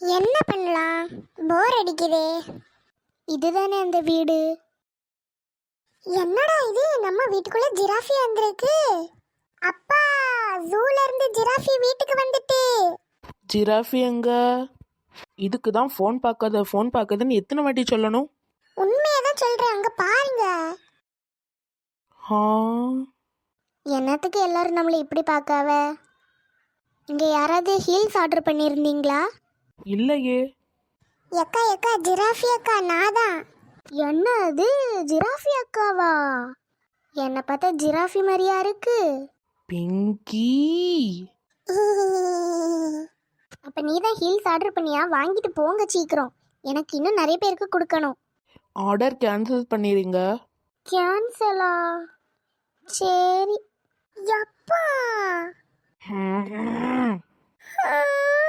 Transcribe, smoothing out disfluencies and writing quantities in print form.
என்ன பண்ணலாம்? போர் அடிக்குதே. இதுதானே அந்த வீடு. என்னடா இது, நம்ம வீட்டுக்குள்ள ஜிராஃபி வந்திருக்கு. அப்பா, ஜூல இருந்து ஜிராஃபி வீட்டுக்கு வந்துட்டு. ஜிராஃபி எங்க? இதுக்கு தான் ஃபோன் பார்க்காதுன்னு எத்தனை வாட்டி சொல்லணும்? உண்மையதான் சொல்றேன், அங்க பாருங்க. ஆ, என்னத்துக்கு எல்லாரும் நம்மளை இப்படி பார்க்காவ? இங்கே யாராவது ஹீல்ஸ் ஆர்டர் பண்ணியிருந்தீங்களா? இல்லையே. எக்கா எக்கா, ஜிராஃபி அக்கா நாதான். என்ன அது, ஜிராஃபி அக்காவா? என்னை பார்த்தா ஜிராஃபி மாதிரியா இருக்கு. பிங்கி, அப்போ நீ தான் ஹீல்ஸ் ஆர்டர் பண்ணியா? வாங்கிட்டு போங்க சீக்கிரம், எனக்கு இன்னும் நிறைய பேருக்கு கொடுக்கணும். ஆர்டர் கேன்சல் பண்ணிடுங்க. கேன்சலா? சரி. எப்பா ம். ஆ